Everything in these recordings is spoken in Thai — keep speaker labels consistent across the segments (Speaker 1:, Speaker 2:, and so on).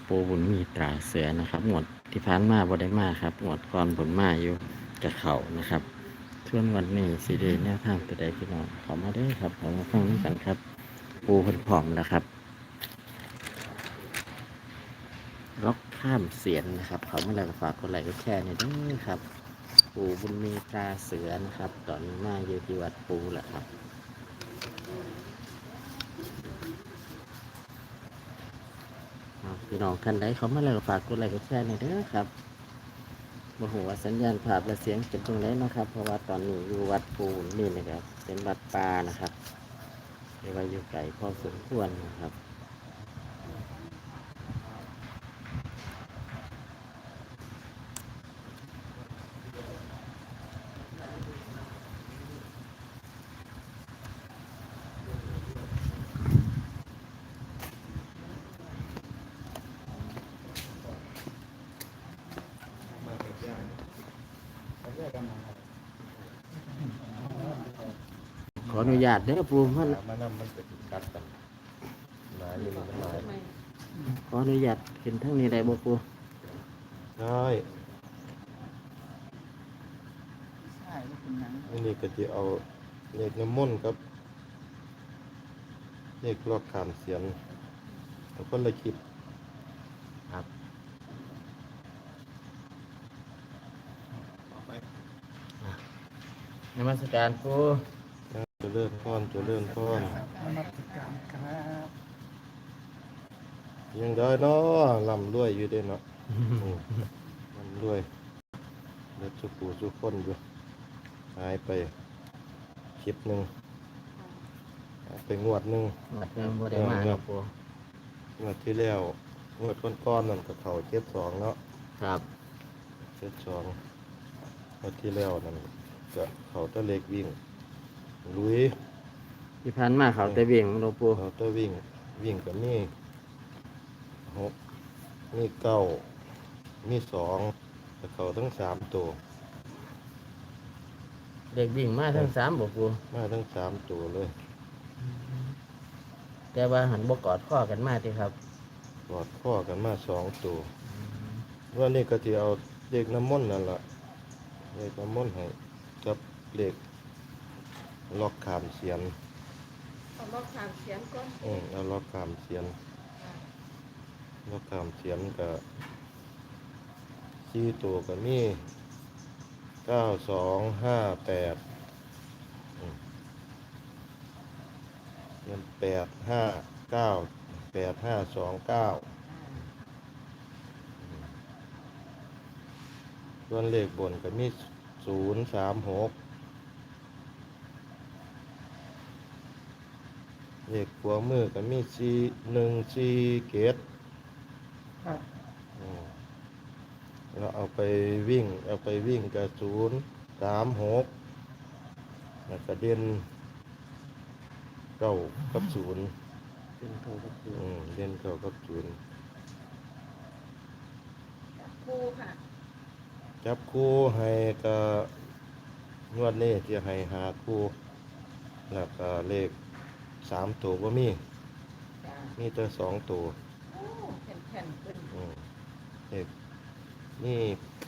Speaker 1: ปูบุญมีตราเสือนะครับหมวดที่ผ่านมาบ่ได้มาครับหมวดก่อนบุญมาอยู่กับเขานะครับส่วนวันนี้สีเดแนวทางตัวใดพี่น้องขอมาได้ครับขอมาฟังด้วยกันครับ ปูเพิ่นพร้อมแล้วครับล็อกข้ามเสียนนะครับเขามาแล้วก็ฝากกดไลค์กดแชร์ในอยเด้วยครับปูบุญมีตราเสือนะครับตอนนี้มาอยู่ที่วัดปูแหละครับพี่น้องท่านใดเขามาแล้วก็ฝากกดไลค์กดแชร์ในอยเด้อครับบ่ฮู้ว่าสัญญาณภาพและเสียงเป็นตรงไหนนะครับเพราะว่าตอนนี้อยู่วัดปูนี่นะครับเป็นวัดป่านะครับเรียกว่าอยู่ไกลพอสมควรนะครับขออนุญาตเด้อปูมัน
Speaker 2: มันเป็นกัดกันหนาอยู่มันหนา
Speaker 1: ขออนุญาตเห็นทั้งนี้ได้บ่ปู
Speaker 2: ได้อันนี้ก็จะเอาเลขน้ำมนต์ครับเลขลอกขามเสียนแล้วก็ละคลิป
Speaker 1: ครับนมัสการปู
Speaker 2: จะเลื่อนก้อนจะเลื่อนก้อน
Speaker 3: นมัสการครับ
Speaker 2: ยังได้เนาะลำรวยอยู่เด้เนาะลำรวยเด็ดสุปูสุคนอยู่หายไปคลิปหนึ่งหายไปงวดหนึ่ง
Speaker 1: หมดเงินบ่ได้มาเนาะปู
Speaker 2: งวดที่แล้วงวดก้อนๆนั่นก็เขา72เนาะ
Speaker 1: ครับ
Speaker 2: 72งวดที่แล้วนั่นก็เขาตะเล็กวิ่งลุย
Speaker 1: ที่ผ่านมาเขาแต่เบี่ยงเนาะปู
Speaker 2: เขาตะวิ่งกับมี6มี9มี2แต่เขาทั้ง3ตัว
Speaker 1: เด็กวิ่งมาทั้ง3บ่ปู
Speaker 2: มาทั้ง3ตัวเลย
Speaker 1: แต่ว่าหันบ่กอดข้อกันมาติครับ
Speaker 2: กอดข้อกันมา2ตัววันนี้ก็จะเอาเด็กน้ำมนต์นั่นล่ะเด็กน้ำมนต์ให้กับเด็กล็อกขามเสียน
Speaker 3: เอาล็อกถามเสียงก่อน
Speaker 2: เอาล็อกขามเสียนล็อกขามเสียนกับ4ตัวก็มี9258เงิน8598529ส่วนเลขบนก็มี036เลขขวามือก็มี4147
Speaker 3: ครับ
Speaker 2: เราเอาไปวิ่งกับ036แล้วก็เด่น9กับ0
Speaker 1: เป็นโทรก็คือ
Speaker 2: เด่น9กับ0
Speaker 3: ครูค่ะ
Speaker 2: จับคู่ให้ก็งวดนี้จะให้หาคู่แล้วก็เลข3ตัวบ่มี
Speaker 3: จ้า
Speaker 2: มีแต่2ตัว
Speaker 3: โอ้แผ่นๆเป็น
Speaker 2: เลขนี่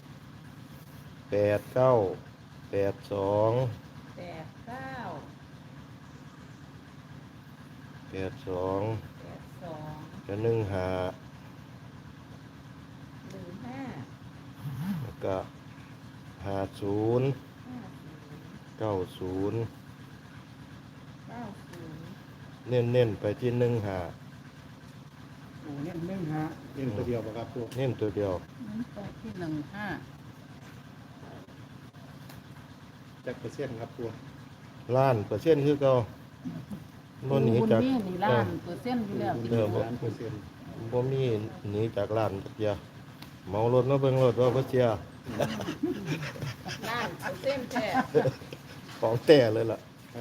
Speaker 2: 89 82
Speaker 3: 8 9
Speaker 2: 82
Speaker 3: 8 2
Speaker 2: ก็15
Speaker 3: 1 5
Speaker 2: แล้วก็50
Speaker 3: 5 0
Speaker 2: 90
Speaker 3: 9 0
Speaker 2: เน้นๆไปที่15
Speaker 3: โอ้เนี่ย1 5
Speaker 4: เล่นตัวเดียวป่ะครับตัว
Speaker 2: เน้นตัวเดียว
Speaker 3: มันไปที่1
Speaker 4: จักเปอร์เซ็นต์ครับตัว
Speaker 2: ล้านเปอร์เซ็นต์คือเก่า
Speaker 3: 5
Speaker 2: บ่หนีจาก
Speaker 3: นี่ล้านเปอร์เซ็นต์อยู่แล้ว
Speaker 4: ล้านเปอร์เซ็นต์
Speaker 2: บ่มีหนีจากล้านจักเดียวเมารถมาเบิ่งรถว่าบ่เสีย
Speaker 3: ล้านเปอร์เซ็นต์แท้
Speaker 2: ของแต่เลยล่ะ
Speaker 4: ครับ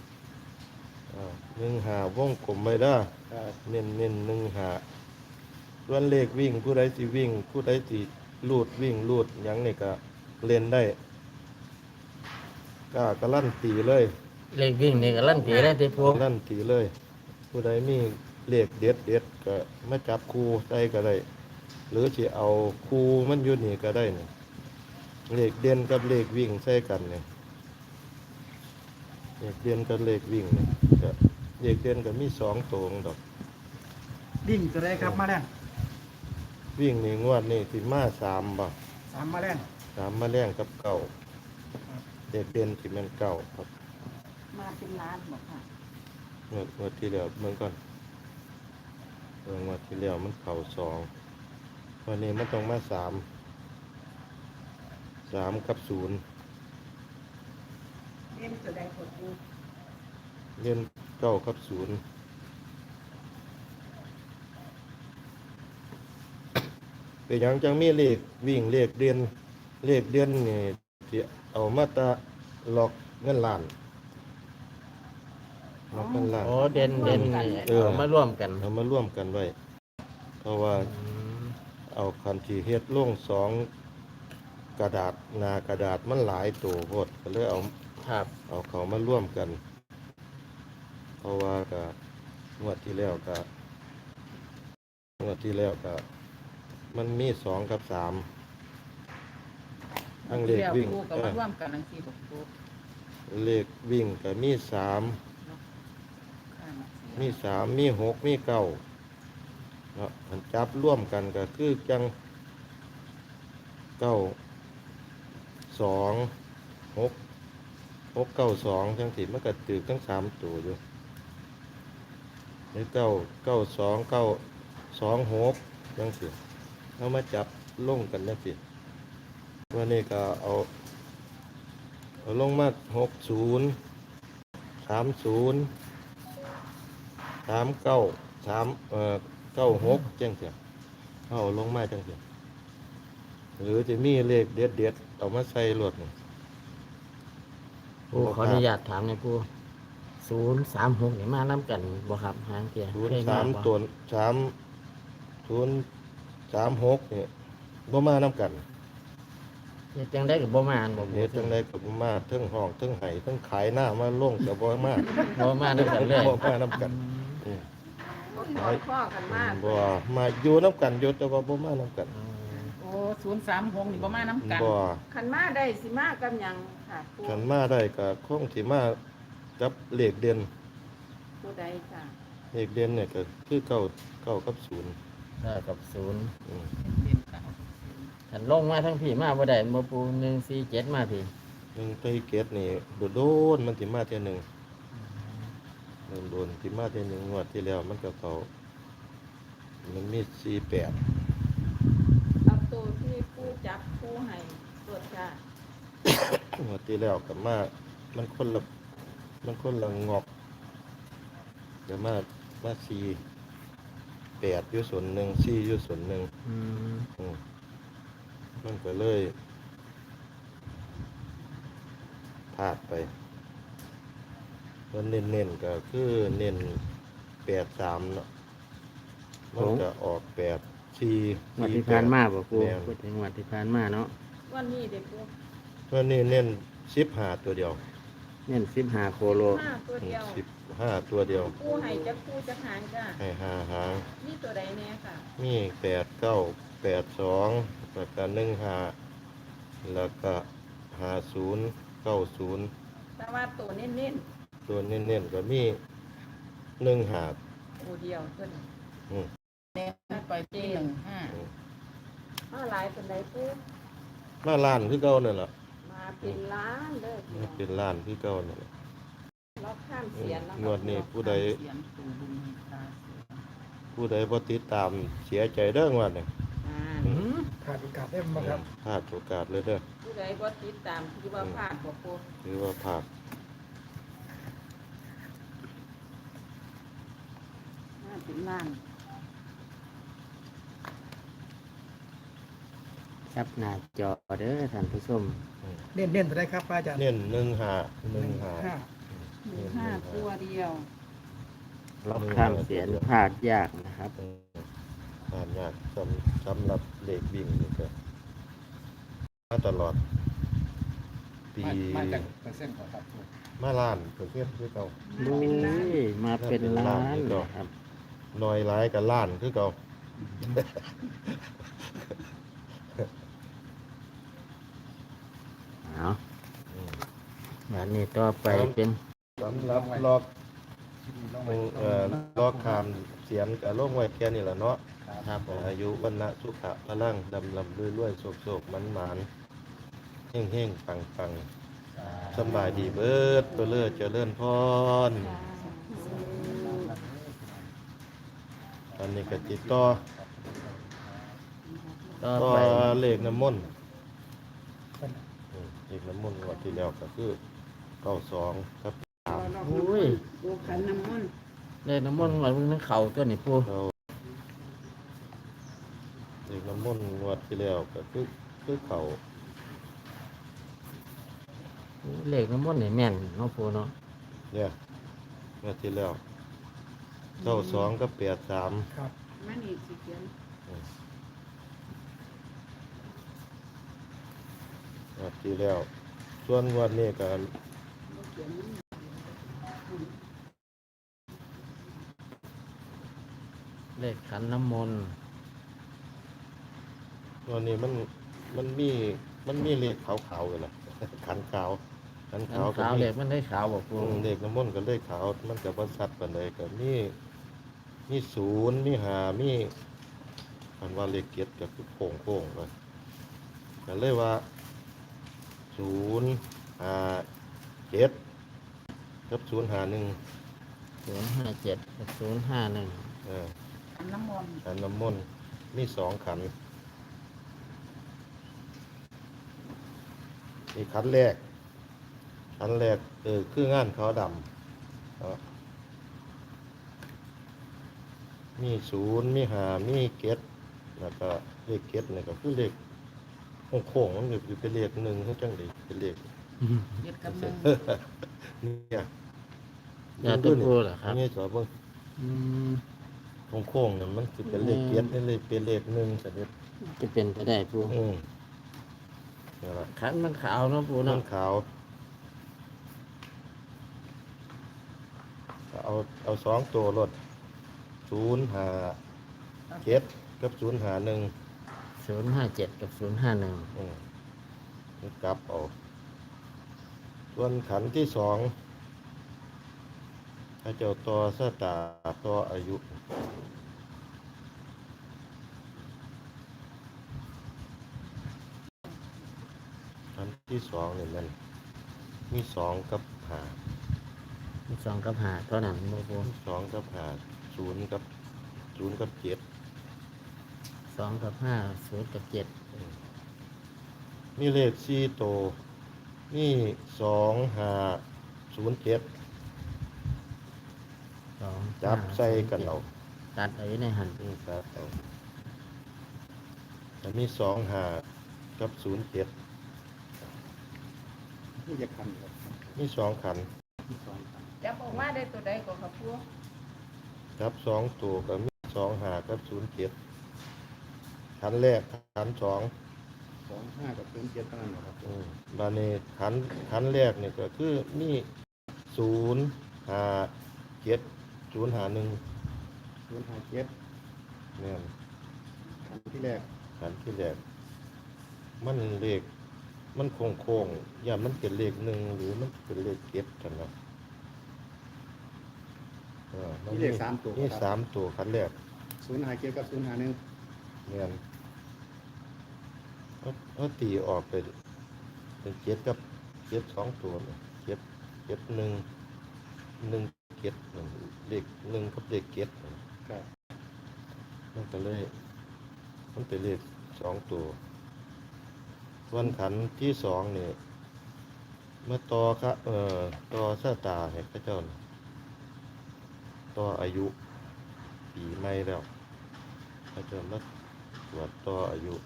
Speaker 2: 15วงกลมไว้เด้อ
Speaker 4: ครับ
Speaker 2: เน้น15ส่วนเลขวิ่งผู้ใดสิวิ่ง ผู้ใดสิลูดวิ่งลูดหยังนี่ก็เล่นได้กล้าการันตีเลย
Speaker 1: เลขวิ่งนี่ก็ลั่นตีได้ติปู
Speaker 2: การันตีเลย ผู้ใดมีเลขเด็ดเด็ดก็มาจับคู่ใส่ก็ได้ หรือสิเอาคู่มันอยู่นี่ก็ได้นี่เลขเด่นกับเลขวิ่งใส่กันเนี่ยเลขเด่นกับเลขวิ่งเนี่ยก็เลขเด่นก็มี2ตัวดอก
Speaker 5: วิ่งตัวใดครับมาแรง
Speaker 2: วิ่งนี่งวดนี่สิมา3บ่
Speaker 5: 3มาแรง
Speaker 2: 3มาแรงกับเก่าเลขเด่นสิแม่นเก่าครับ
Speaker 3: มาเป็นล้านบอกค่ะ
Speaker 2: งวดที่แล้วเบิ่งก่อนงวดที่แล้วมันเข้า2วันนี้มันต้องมา3กับ0
Speaker 3: เล่นตัวใดกดดู
Speaker 2: เล่น9กับ0เป็นหยังจังมีเลขวิ่งเลขเด่นนี่ที่เอามาตะล็อกเงินล้านล็อกเงินล้าน
Speaker 1: โอ้เด่นนี่
Speaker 2: เออ
Speaker 1: เอามาร่วมกัน
Speaker 2: เอามาร่วมกันไว้ เพราะว่า
Speaker 1: อืม
Speaker 2: เอาคันที่เฮ็ดลง2กระดาษหน้ากระดาษมันหลายตัวโพดก็เลยเอา
Speaker 1: ครับ
Speaker 2: เอาเขามาร่วมกัน เพราะว่าก็งวดที่แล้วก็มันมี2กับ3ทั้งเลขวิ่ง
Speaker 3: ปูกับมาร่วมกันทั้งสี่บอกปู
Speaker 2: เลขวิ่งก็มี3
Speaker 3: ข้างเสีย
Speaker 2: มี3มี6มี9เนาะมันจับร่วมกันก็คือจัง9 2 6 9 2จังสิมันก็ตึกทั้ง3ตัวอยู่หรือ9 2 2 6จังสิเอามาจับลงกันจังสิวันนี้ก็เอาลงมา60 30 39 96จังสิเอาลงมาจังสิหรือจะมีเลขเด็ดๆเอามาใส่รถนี่
Speaker 1: ผู้ขออนุญาตถามหน่อยผู้036นี่มานํกันบ่ครับหางเกียร์
Speaker 2: ศูน
Speaker 1: เค
Speaker 2: ย์
Speaker 1: ย
Speaker 2: สาม
Speaker 1: บ่
Speaker 2: ตัว036เนี่ยบ่มาน้ำกัน
Speaker 1: เฮ็ดจังได้ก็บ่มาอันบ่
Speaker 2: เฮ็ดจังได๋ก็บ่มาเทิงห้องเทิงไห้เทิงขายหน้ามาลงก็บ่มา
Speaker 1: บ่มานํกันเลย
Speaker 2: บ่มาน้ำกันอืม
Speaker 3: พ่อกันมาก
Speaker 2: บ่มาอยู่น้ำกันอยู่แต่ว่าบ่มาน้ำกัน
Speaker 3: โอ้036นี่บ่มาน้ำกัน
Speaker 2: บ่
Speaker 3: ขันมาได้สิมากับหยังค่ะปู
Speaker 2: ฉันมาได้ก็คงสิมากับเลขเด่น
Speaker 3: ตัวใดจ้ะ
Speaker 2: เลขเด่นเนี่ยก็คือเก้ากับ0
Speaker 1: ได้กับ0
Speaker 2: อืม
Speaker 3: เป็นเก้า
Speaker 1: คันลงมาทั้งพี่มาบ่ได้บ่ปู147มาพี่
Speaker 2: หนึ่งไตรเกตนี่โดนมันสิมาเที่ยหนึงโดนสิมาเที่ยหนึงงวดที่แล้วมันก็เขามันมี48
Speaker 3: เอาตัวที่ปูจับปูให้ตรวจจ้ะ
Speaker 2: งวดที่แล้วกับมามันคนละงอกเดี๋ยวมา48อยู่ส่วนหนึ่ง4อยู่ส่วนหนึ่ง
Speaker 1: อืม
Speaker 2: อืมมันก็เลยพลาดไปแล้วเน้นๆก็คือเน้น83เนาะมันก็ออก84
Speaker 1: งวดที่ผ่านมาบ่ปู
Speaker 2: แม่น
Speaker 1: พูดถึงงวดที่ผ่านมาเนาะ
Speaker 3: วันนี้เด็กปู
Speaker 2: วันนี้เน้น15ตัวเดียว
Speaker 1: เน้น15โคโล
Speaker 3: ห้าตัวเดียว
Speaker 2: 15ตัวเดียว
Speaker 3: ปูให้จะปูจะหางจ้ะ
Speaker 2: ให้5หาง
Speaker 3: นี่ตัวใดแน่ค่ะ
Speaker 2: มี8 9 8 2แล้วก็1 5แล้วก็50 90
Speaker 3: แต่ว่าตัวเน้น
Speaker 2: ตัวเน้นๆก็มี1 5
Speaker 3: ๆตัวเดียวตัวนี้
Speaker 2: อืม
Speaker 3: เน้นไปที่15หลายเป็นไรปู
Speaker 2: มาล้านคือเก่านั่นล่ะ
Speaker 3: มาเป็นล้านเด้อ
Speaker 2: มาเป็นล้านคือเก่านั่นล่ะ
Speaker 3: เราข้ามเสียนแล้ว
Speaker 2: งวดนี้ผู้ใด
Speaker 3: เสียนตูบุญมีตาเสียน
Speaker 2: ผู้ใดบ่ติดตามเสียใจเด้องวดนี้
Speaker 5: ขาดโอกาสได้บ่ครับ
Speaker 2: พลาดโอกาสเลยเด้อ
Speaker 3: ผู้ใดบ่ติดตามที่ว่าพลาดบ่ปู
Speaker 2: ถือว่าพลาด
Speaker 3: มาเป็นล้าน
Speaker 1: ครับหน้าจอเด้อท่านผู้ชม
Speaker 5: เน้นตัวใดครับอาจารย์
Speaker 2: เน้น1 5 1 5
Speaker 3: 15ตัวเดียว
Speaker 1: ล็อกข้ามเสียนพลาดยากนะครับ
Speaker 2: อ่านยากสำหรับเลขวิ่งนี่ก็มาตลอด ปี
Speaker 4: มาจากเปอร์เซ็นต์ของครับปู
Speaker 2: มาล้านเปอร์เซ็นต์คือเก่า
Speaker 1: ลุยมาเป็นล้านนะครับ
Speaker 2: มหน่อยหลายกับล้านคือเก่า
Speaker 1: เอาอันนี้ต่อไปเป็น
Speaker 2: สำหรับลอกลอกคามเสียนกับโลกไว้แค่นี้แหละเนาะ
Speaker 1: ครับผม
Speaker 2: อายุวันนะสุขะพลังดำลำรวยๆโศกๆมันเฮ่งเฮ่งๆปังๆสำบายดีเบิดตัวเลิศเจริญพรตอนนี้ก็ติดต่อ
Speaker 1: ต่อ
Speaker 2: ก็
Speaker 1: ไป
Speaker 2: เลขน้ำมนต์เลขน้ำมนต์งวดที่แล้วก็คือ92ครับ
Speaker 1: อุ้ย
Speaker 3: ปูขันน้ำมันต์
Speaker 1: เลขน้ำมันต์วันนึงเข่าตัวนี่ปู
Speaker 2: เราเลขน้ำมนต์งวดที่แล้วก็คือเขา
Speaker 1: เลขน้ำมันต์นี่แม่นเนาะปูเนาะ
Speaker 2: เนี่ยงวดที่แล้ว92กับ83
Speaker 5: ครับ
Speaker 3: มันอีกสิเขียน
Speaker 2: งวดที่แล้วส่วนงวดนี้ก็
Speaker 3: บ่เขียนมัน
Speaker 1: เลขขันน้ำมนต์
Speaker 2: งวดนี้มันมีเลขขาวๆเลยล่ะ ขันขาวขัน
Speaker 1: ขั
Speaker 2: ขาน วก็
Speaker 1: ขาว
Speaker 2: มี
Speaker 1: เลขมันได้ขาวบอกปู
Speaker 2: เลขน้ำมนต์ก็เลขขาวมันก็บ่ชัดปานใดก็มี0มี5มีคันว่าเลขเกียรติก็คือโค้งๆเลยก็เลยว่า057กับ051
Speaker 1: 057กับ051
Speaker 2: เออ
Speaker 3: ขันน้ำมนต์
Speaker 2: ขันน้ำมนต์มี2ขันมีขันแรกคืองานขาวดำมี0มี5มีเกตแล้วก็เลขเกตนี่ก็คือเลขโค้งๆมันอยู่เป็นเลขหนึ่งคือจังได๋เป็นเลข
Speaker 3: เด็ดกับมือ
Speaker 2: เนี่ย
Speaker 1: อย่าตัวปูเหรอครับ
Speaker 2: นี่สอบเบิ่ง
Speaker 1: อืม
Speaker 2: โค้งๆนี่มันสิเป็นเลขเกตนี่เลยเป็นเลขหนึ่งซะเด้อ
Speaker 1: จะเป็นไปได้ปู
Speaker 2: นี่ล่ะ
Speaker 1: ขันมันขาวเนาะปู
Speaker 2: น้
Speaker 1: เนาะ
Speaker 2: ขาวเอา2ตัวรถ057กับ051
Speaker 1: 057กับ051
Speaker 2: กลับเอาส่วนขันที่สองถ้าเจ้าต่อสตาต่ออายุขันที่สองนี่มันมี2กับ5
Speaker 1: มี2กับ5เท่านั้นบ่ปู
Speaker 2: 2กับ5 0กับ7
Speaker 1: 2กับ5 0กับ7
Speaker 2: มีเลข4ตัวมี2507
Speaker 1: 2
Speaker 2: จับใส่กันเอา
Speaker 1: ตัดเอาไว้ในหัน
Speaker 2: ครับแต่มี25กับ07
Speaker 4: นี่จะคันครับ
Speaker 2: มี2ขัน
Speaker 4: ที่สองคัน
Speaker 3: จับออกมาได้ตัวใดก็ครับปู
Speaker 2: ครับ2ตัวก็มี25กับ07ขันแรกขัน2
Speaker 4: 25กับ07เท่านั้นเหรอครับ
Speaker 2: บานี้ขันแรกนี่ก็คือมี057 051
Speaker 4: 057
Speaker 2: เนี่ย
Speaker 4: คันที่แรก
Speaker 2: ขันที่แรกมันเลขมันโค้งๆอย่ามันเป็นเลขหนึ่งหรือมันเป็นเลขเก็บกันนะมัน
Speaker 4: มีเลข3ตัว
Speaker 2: มี
Speaker 4: ครับ
Speaker 2: 3ตัวขันแรก
Speaker 4: 057กับ051
Speaker 2: เนี่ยเอาตีออกเป็นเจ็ดกับเจ็ด2ตัวเนี่ยเจ็ด1เจ็ดเลข1กับเลขเจ็ด
Speaker 4: ครับ
Speaker 2: มันก็เลยมันเป็นเลข2ตัวส่วนขันที่2นี่เมื่อต่อครับต่อชะตาให้พระเจ้าน่ะต่ออายุปีใหม่แล้วพระเจ้ามาตรวจต่ออายุ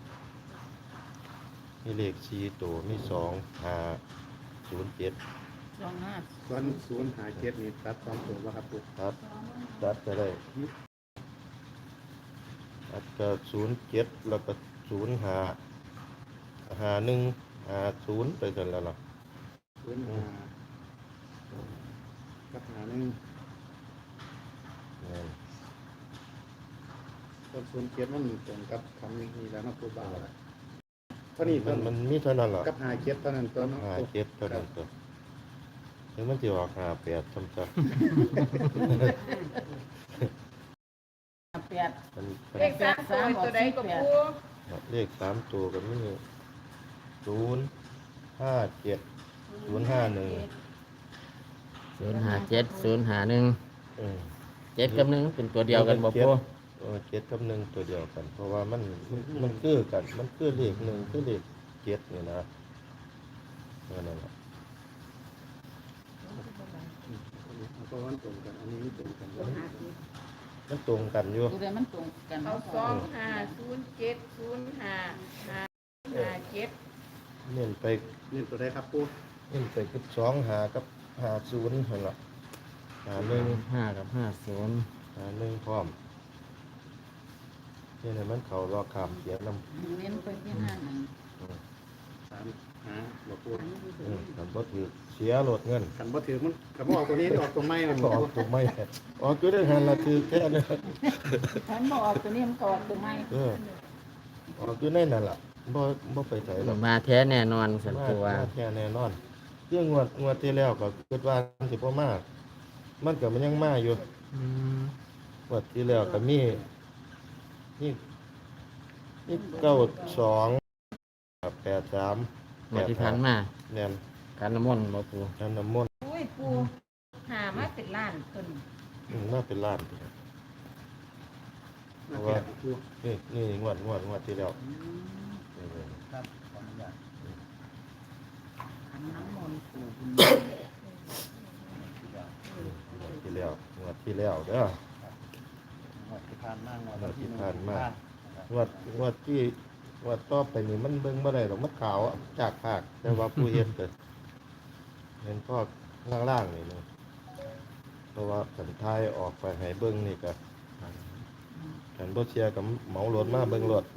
Speaker 2: มีเลข4ตัวมี2507
Speaker 3: 25
Speaker 4: ส่วน057นี่ตัด2ตัวแล้วครับปุ๊บ
Speaker 2: ครับตัดไปได้ตัดก็07แล้วก็055150ไปกันแล้วล่ะ
Speaker 4: 05กับ51
Speaker 2: เนี่ย
Speaker 4: ต้นศูนย์เจ็ดมันตรงกับคำนี้แล้วนะครูบาเท่านี้
Speaker 2: มั
Speaker 4: ต้
Speaker 2: น
Speaker 4: น
Speaker 2: มันมีเท่านั้นหรอ
Speaker 4: กับหาเจ็ดเท่านั้นตัวเนาะ
Speaker 2: หาเจ็ดเท่านั้นตัวถึงมันจะออกหาแปดซ้ำๆ
Speaker 3: แปด
Speaker 2: มัน
Speaker 3: เลขสามตัวใดก็ปู
Speaker 2: เลขสามตัวกันนี่057 051
Speaker 1: 057 051
Speaker 2: อืม
Speaker 1: 7กับ1เป็นตัวเดียวกันบ่ปู
Speaker 2: เจ็ดกับหนึ่งตัวเดียวกัน เพราะว่ามันคือกันมันคือเลขหนึ่งคือเลขเจ็ดนี่นะนั่นแหละ
Speaker 4: เพราะว่ามันตรงกันอันนี้ไม่ตรงกัน
Speaker 2: มันตรงกันอยู่
Speaker 3: ตัวใดมันตรงกัน
Speaker 6: เอา25070557
Speaker 2: เน้นไป
Speaker 4: นี่ตัวใดครับปู
Speaker 2: เน้นไปกับ2หากับ50หั่นล่ะ51
Speaker 1: 5กับ50
Speaker 2: 51พร้อมนี่เนี่ยมันเข้ารอคำเขียนนำ
Speaker 3: เน้นไปที่ห้าหนึ่ง
Speaker 4: สามหาบอกปู
Speaker 2: คันบ่ถือเสียโหลดเงิน
Speaker 4: ขันบ่ถือมันขันบ่ออกตัวนี้ออกตัวไม่มัน
Speaker 2: ก็ออกถูกไหมออกอยู่ได้หันละถือแค่นั้น
Speaker 3: ฉันบอกออกตัวนี้มันก็ออกตัวไม่
Speaker 2: เออออกอยู่ในนั่นล่ะบ่ไปไสหรอก
Speaker 1: มาแท้แน่นอนสัน
Speaker 2: มา
Speaker 1: ปูว่า
Speaker 2: แค่แน่นอนเรื่องงวดที่แล้วก็คิดว่ามันสิบ่มากมันก็มันยังมาอยู่
Speaker 1: อืม
Speaker 2: งวดที่แล้วก็มี92กับ83
Speaker 1: หมดที่ผ่านมา
Speaker 2: แม่น
Speaker 1: การน้ำมนต์บ่ปู
Speaker 2: นั่นน้ำมนต์
Speaker 6: อุ้ยปูหามาเป็นล้านต้น
Speaker 2: น่าเป็นล้าน
Speaker 4: มาแก่ปู
Speaker 2: นี่งวดที่แล้ว
Speaker 5: ครับขออนุญาต
Speaker 3: ขันน้ำมนต์ปู่
Speaker 2: งวดที่แล้วเด้อ
Speaker 5: งวดที่ผ่านมาง
Speaker 2: งวดที่ผ่านมางวดที่งวดต่อไปนี่มันเบิ่งบ่ได้หรอกมันขาวอะจากภาคแต่ว่าผู้เฮ็ดก็เห็นพอกล่างๆนี่นะเพราะว่าสันทายออกไปให้เบิ่งนี่ก็ฉันบ่เชียร์กับเหมารถมาเบิ่งรถ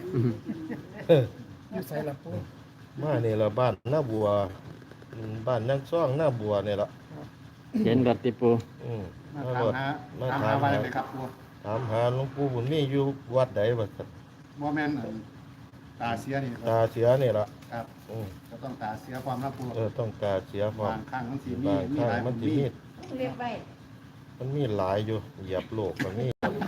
Speaker 5: อยู่ใส่ละปู
Speaker 2: มานี่ละบ้านหน้าบัวบ้านยังซ่องหน้าบัวนี่ละ
Speaker 1: เห็นบัดติปู
Speaker 2: อืม
Speaker 4: มา
Speaker 2: มา
Speaker 4: ถาม
Speaker 2: รถ
Speaker 4: หา
Speaker 2: มา
Speaker 4: ถาม
Speaker 2: ถา
Speaker 4: หาม ไว้เลยครับปู
Speaker 2: ถามหาหลวงปู่บุญมีอยู่วัดใดว่าซั่น
Speaker 4: บ่แม่นตาเสียนี่
Speaker 2: ตาเสียนี่ละ
Speaker 4: ครับ
Speaker 2: อืม
Speaker 4: ก็ต้องตาเสียความรับปู
Speaker 2: ต้องตาเสียพร้อม
Speaker 4: บางครั้งมันสิมี
Speaker 2: บาง
Speaker 4: มี
Speaker 2: ครั้ง
Speaker 4: หลาย
Speaker 2: มันสิ
Speaker 4: มี
Speaker 2: มี
Speaker 6: เรียกไว้
Speaker 2: มันมีหลายอยู่เหยียบโลกก็มี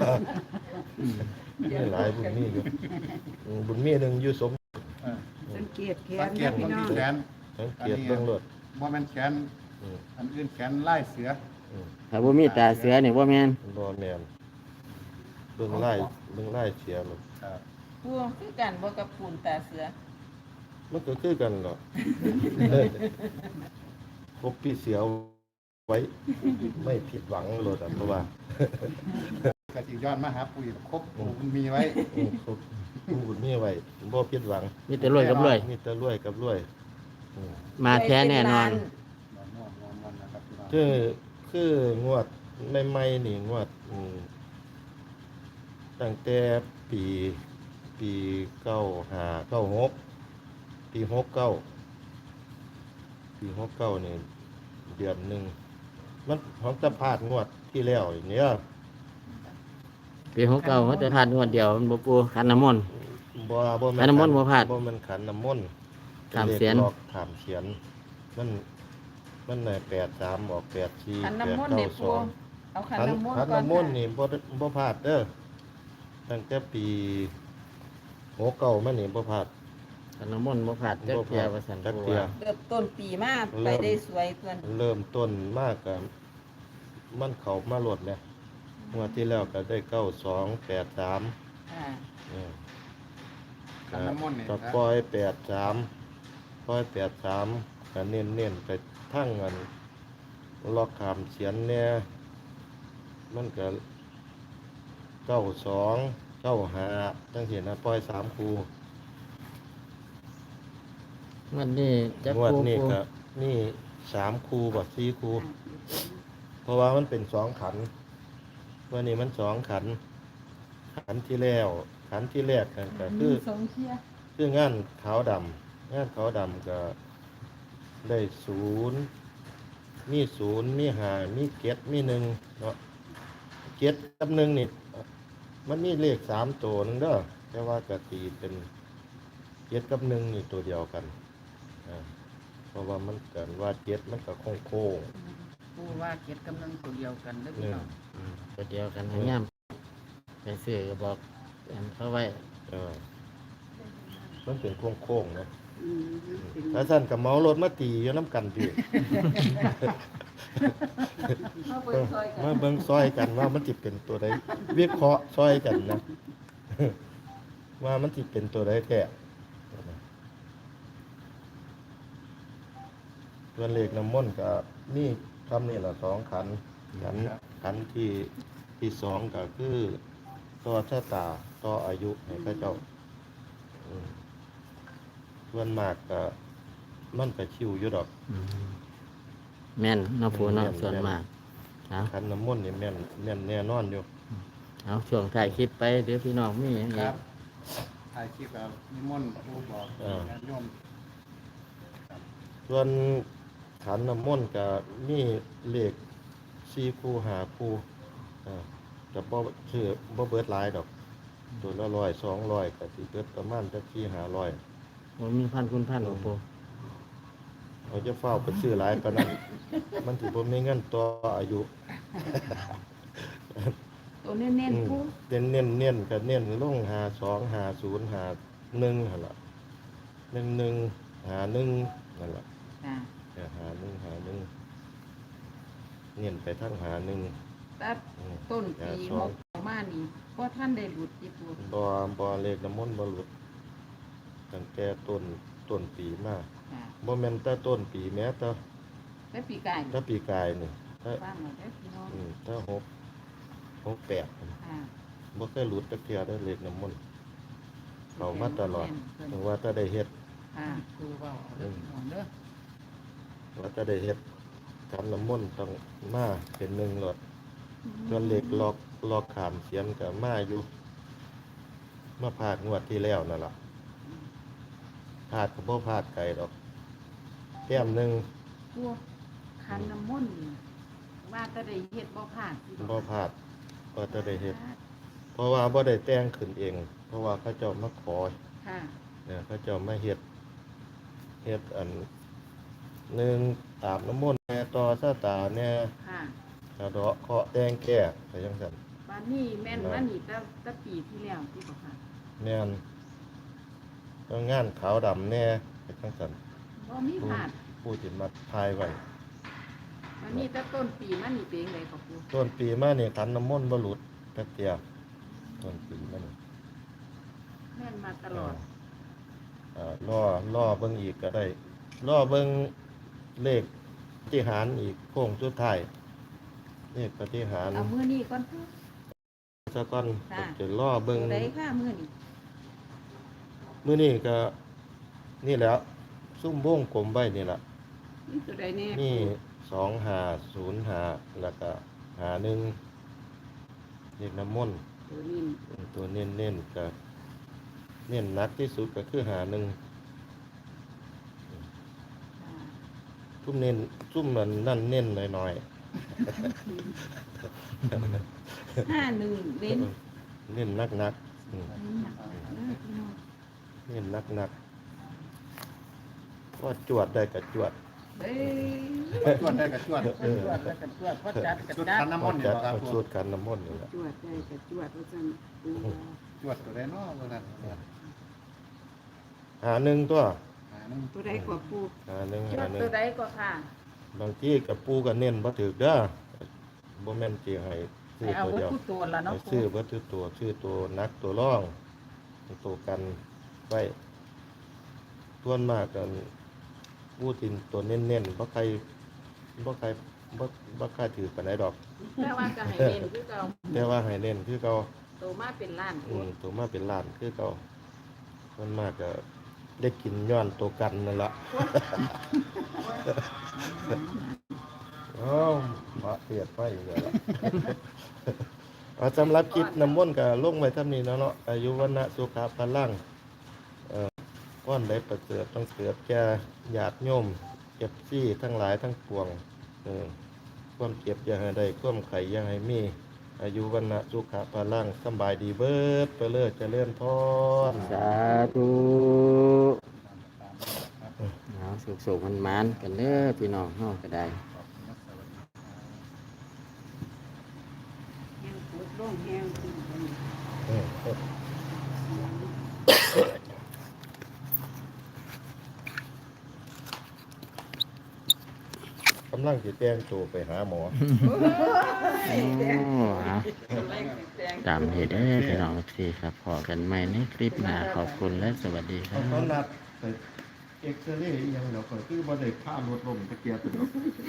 Speaker 2: มีหลายบุญมีอยู่บุญมีหนึงอยู่สม
Speaker 6: สังเกตแข
Speaker 4: สั
Speaker 6: น
Speaker 4: งเก
Speaker 6: นะ
Speaker 4: ต
Speaker 6: พี่
Speaker 4: มัน
Speaker 6: น้อ
Speaker 4: มี
Speaker 6: ง
Speaker 4: แขน
Speaker 2: สังเกตเบิ่งรถ
Speaker 4: บ่แม่นแขน
Speaker 2: อืม
Speaker 4: อันอื่นแขนไล่เสือ
Speaker 2: อืม
Speaker 1: ถ้าบ่มีตาเสือนี่บ่แม่น
Speaker 2: บ่แม่นเบิ่งไล่เสียรถ
Speaker 4: ครับ
Speaker 3: ปูคือกันบ่กับปูนตาเสือ
Speaker 2: มันก็คือกันหรอกพบพี่เสียวไว้ไม่ผิดหวังรถอะเพราะว่า
Speaker 4: ก็สิย้อนมาหาปูอีกครบปูมันมีไว้
Speaker 2: ครบผู้บุญมีไว้บ่ผิดหวัง
Speaker 1: มีแต่รวยกับรวย
Speaker 2: มีแต่รวยกับรวยอืม
Speaker 1: มาแท้แน่นอน
Speaker 4: นอนนะครับพี่น้อง
Speaker 2: คืองวดใหม่ๆนี่งวดตั้งแต่ปี95 96ปี69นี่เดือนหนึงมันของตะพาดงวดที่แล้วเนี่ย
Speaker 1: ปี69เขาจะพลาดงวดเดียวมันบ่ปูขันน้ำมนต์
Speaker 2: บ่
Speaker 1: ขันน้ำมนต์บ่พลาด
Speaker 2: บ่แมันขันน้ำมนต์
Speaker 1: ขามเสียน
Speaker 2: ลขหลอกขามเสียนมันน่ะ83ออก84
Speaker 3: ขันน้ำมนต์เด็ปู
Speaker 2: 892
Speaker 3: เอาขัน
Speaker 2: ขัน
Speaker 3: น้ำมนต์
Speaker 2: ขัน
Speaker 3: ก่อน
Speaker 2: น้ำมนต์นี่บ่พลาดเด้อตั้งแต่ปี69มานี่บ่พลาด
Speaker 1: ขันน้ำมนต์บ่พลาดจักเที่ยว่าสัน
Speaker 2: จัก
Speaker 1: ปู
Speaker 2: เที่ย
Speaker 1: ว่า
Speaker 3: เริ่มต้นปีมาไปได้สวยตัวนี้
Speaker 2: เริ่มต้นมากกับมันเข้ามาโลดแล้วงวดที่แล้วก็ได้9283
Speaker 3: อ่า
Speaker 4: ขันน้ำมนต์นี่
Speaker 2: ก็
Speaker 4: นะ
Speaker 2: ปล่อย83ก็เน้นๆไปทั้งเงินล็อกขามเสียนเนี่ยมันก็92 95จังซี่นะปล่อย3คู่
Speaker 1: งวดนี้จัก
Speaker 2: งวด
Speaker 1: ปู
Speaker 2: นี้
Speaker 1: ปู
Speaker 2: ก็นี่3คู่บ่4คู่เพราะว่ามันเป็น2ขันวันนี้มัน2ขัน ขันที่แล้วขันที่แรกนั่นก็คือ
Speaker 3: สองเที่ย
Speaker 2: คืองานขาวดำงานขาวดำก็ได้มี5มี7มี1เนาะ7กับ1นี่มันมีเลข3ตัวหนึงเด้อแต่ว่ากะตีเป็น7กับ1นี่ตัวเดียวกันอ่าเพราะว่ามันกันว่า7มันก็โค้ง
Speaker 6: ปูว่าเก็ดกำลังตัวเดียวกันเด้อ
Speaker 2: ๆ
Speaker 6: พี่
Speaker 2: นี่
Speaker 6: น้อง
Speaker 1: ตัวเดียวกันให้ย่ำไปซื้อก็บอกอันเขาไว้
Speaker 2: เออมันเป็นโค้งๆนะ
Speaker 6: อืมเป็น
Speaker 2: ถ้าสั่นกับเมารถมาตีอยู่น้ำกันพี่
Speaker 3: เข้าไปซอยกัน
Speaker 2: มาเบิ่งซอยกันว่ามันจิเป็นตัวใดวิเคราะห์ซอยกันนะ ว่ามันจิเป็นตัวใดแท้ส่วนเลขน้ำมนต์ก็นี่ทำนี่ละ2ขันขันที่2ก็คือต่อชะตาต่ออายุให้พระเจ้าอืมส่วนมากก็มันก็ชิวอยู่ดอก
Speaker 1: แม่นเนาะปูเนาะ
Speaker 2: แม่น
Speaker 1: ส่วนมากเอา
Speaker 2: ขันน้ำมนต์นี่แม่นแน่นอนอยู่
Speaker 1: เอาช่วงถ่ายคลิปไปเดี๋ยวพี่น้องมีอย่าง
Speaker 5: ค
Speaker 1: อี
Speaker 5: รั
Speaker 1: ก
Speaker 5: บถ่ายคลิปแบบนิมนต์ผู้บอกญาติโยม
Speaker 2: ส่วนขันน้ำมนต์ก็มีเลข4คู่5คู่ก็บ่ชื่อบ่เบิดหลายดอก ตัวละ100 200ก็สิเบิดประมาณจัก4-500
Speaker 1: ผมมีพันคุณพันหลวงปู
Speaker 2: เอาจะเฝ้าไปซื้อหลายปานนั้น มันสิบ่มีเงินต่ออายุ
Speaker 6: ตัวเน้นๆปู
Speaker 2: เน้นก็เน้นลง52 50 51หั่นล่ะ11 51นั่นล่ะ
Speaker 6: ค่ะ
Speaker 2: เนี่ย51เน้นไปทาง51
Speaker 6: ตัด
Speaker 2: อืม
Speaker 6: ต้นปีหกออกมานี่เพราะท่านได้หลุดจีปู
Speaker 2: บ่เลขน้ำมนต์บ่หลุดตั้งแต่ต้นปีมา
Speaker 6: ค่ะ
Speaker 2: บ่แม่นแต่ต้นปีแม้แต่
Speaker 6: และปีกาย
Speaker 2: ถ้าปีกายนี่ถ้า
Speaker 6: ฟังหน่อยได้อพี่น้อง
Speaker 2: ถ้า68
Speaker 6: ค่ะ
Speaker 2: บ่เคยหลุดจักเทื่อได้เลขน้ำมนต์เข้ามาตลอด
Speaker 6: เพิ่น
Speaker 2: ถึงว่าถ้าได้เฮ็ด
Speaker 6: ค่ะปูเว้าเอาเด้อพี่น้องเด้อ
Speaker 2: ว่าถ้าได้เฮ็ดทำน้ำมนต์ต้องมาเป็นหนึ่งหลดส่วนเลขลอกขามเสียนก็มาอยู่มาพลาดงวดที่แล้วนั่นล่ะพลาดก็บ่พลาดไกลดอกแต้มหนึง
Speaker 6: พวกคันน้ำมนต์นี่ว่าแตะได้เฮ็ดบ่ผ่านพี่น้อง
Speaker 2: บ่พลาดว่าถ้าได้เฮ็ด เพราะว่าบ่ได้แต่งขึ้นเอง เพราะว่าเขาเจ้ามาขอ
Speaker 6: ค่ะ
Speaker 2: เนี่ยเขาเจ้ามาเฮ็ดอันหนึ่งตามน้ำมนต์แน่ต่อชะตาแน่
Speaker 6: ค่ะ
Speaker 2: สะเดาะเคราะห์แต่งแก้ไปจังซั่น
Speaker 6: บ้านนี้แม่นว่านี่ตั้งปีที่แล้วที่บอกค่ะ
Speaker 2: แม่นต้องงานขาวดำแน่ไปจังซั่น
Speaker 6: บ่มีผ่าน
Speaker 2: ผู้ที่มาทายไว้
Speaker 6: วันนี้ตั้งต้นปีมันนี่เป็นไงกับปู
Speaker 2: ต้นปีมานี่ขันน้ำมนต์บ่หลุดจักเที่ยต้นปีมานี่
Speaker 6: แม่นมาตลอด
Speaker 2: รอเบิ่งอีกก็ได้รอเบิ่งเลขปฏิหารอีกโค้งสุดท้ายเลขปฏิหาร
Speaker 6: เอามื้อนี้ก่อนเถอะ
Speaker 2: ซะก่อน
Speaker 6: ค่ะ
Speaker 2: จะรอเบิ่ง
Speaker 6: ตัวใดค่ะมื้อนี้
Speaker 2: มื้อนี้ก็นี่แหล้วซุ่มวงกลมไว้นี่ล่ะ
Speaker 6: นี่ตัวใดแน่
Speaker 2: นี่2505แล้วก็51เลขน้ำมนต์
Speaker 6: ตัวนี้
Speaker 2: ตัวเน้นๆก็เน้นหนักที่สุดก็คือซุ่มเน้นซุ่มนั่นเน้นหน่อย
Speaker 6: 51เน้น
Speaker 2: ๆเน้นนักๆเน้นนักๆก็จวดได้ก็จวด
Speaker 6: เฮ้ย
Speaker 5: จวดได้กับจวด
Speaker 6: จวดแล้วก็จวดพอจัดก็
Speaker 5: ชุด
Speaker 6: จัด
Speaker 5: คันน้ำมนต์เนี่ย
Speaker 2: จัด
Speaker 5: ครับ
Speaker 2: สูตรกันน้ำมนต์นี่แหละ
Speaker 6: จวดได้ก็จวดว่าซั่นปู
Speaker 5: จวดตัวได้เนาะวันนั้น
Speaker 2: 51ตัว
Speaker 5: นึง
Speaker 6: ตัวใดกว่าปู
Speaker 2: 51
Speaker 6: จวดตัวใดก็ค่ะ
Speaker 2: บางทีกับปูก็เน้นบ่ถูกเด้อบ่แม่นสิให้ซื้
Speaker 6: ให้
Speaker 2: อ
Speaker 6: เอา
Speaker 2: ตัว
Speaker 6: บ่
Speaker 2: เดียว
Speaker 6: คู่ตัวละเนาะ
Speaker 2: ให้
Speaker 6: ปู
Speaker 2: ซื้อบ่ถือตัวชื่อตัวนักตัวร่องตัวกันไว้ส่วนมากกันผู้ที่ตัวเน้นๆบ่ใครบ่ถือปานใดดอก
Speaker 6: แต่ว่าก็ให้เน้นคือเก่า
Speaker 2: แต่ว่าให้เน้นคือเก่า
Speaker 6: โตมาเป็นล้าน
Speaker 2: ตัวมาเป็นล้านคือเก่าส่วนมากก็ได้กินย้อนตัวกันนั่นล่ะ อ้าวมาเปียดไปอีกแล้ว สำหรับคลิปน้ำมนต์ก็ลงไว้เท่านี้เนาะอายุวันะสุขภาพลังก้อนได้ประเสริฐต้องเกิดแก่ญาติโยมเจ็บซี่ทั้งหลายทั้งปวงความเจ็บอย่าให้ได้ความไข่อย่าให้มีออายุวันนะสุขะพลังสำบายดีเบิดไปเลิศเจริญพร
Speaker 1: สาธุเอาสุขๆมันๆกันเด้อพี่น้องเฮาก็ได้
Speaker 6: แห้งปวดลงแห้งขึ้นกัน
Speaker 2: กำลังสิแต่งตัวไปหาหมอ
Speaker 1: โอ้เอาตามเหตุเด้อพี่น้องทีครับพอกันใหม่ในคลิปหน้าขอบคุณและสวัสดีครั
Speaker 2: เขา
Speaker 1: บ
Speaker 2: นัดไปเอ็กซเรย์อีหยังเดี๋ยวก่อนคือบ่ได้พารถลมตะเกียบ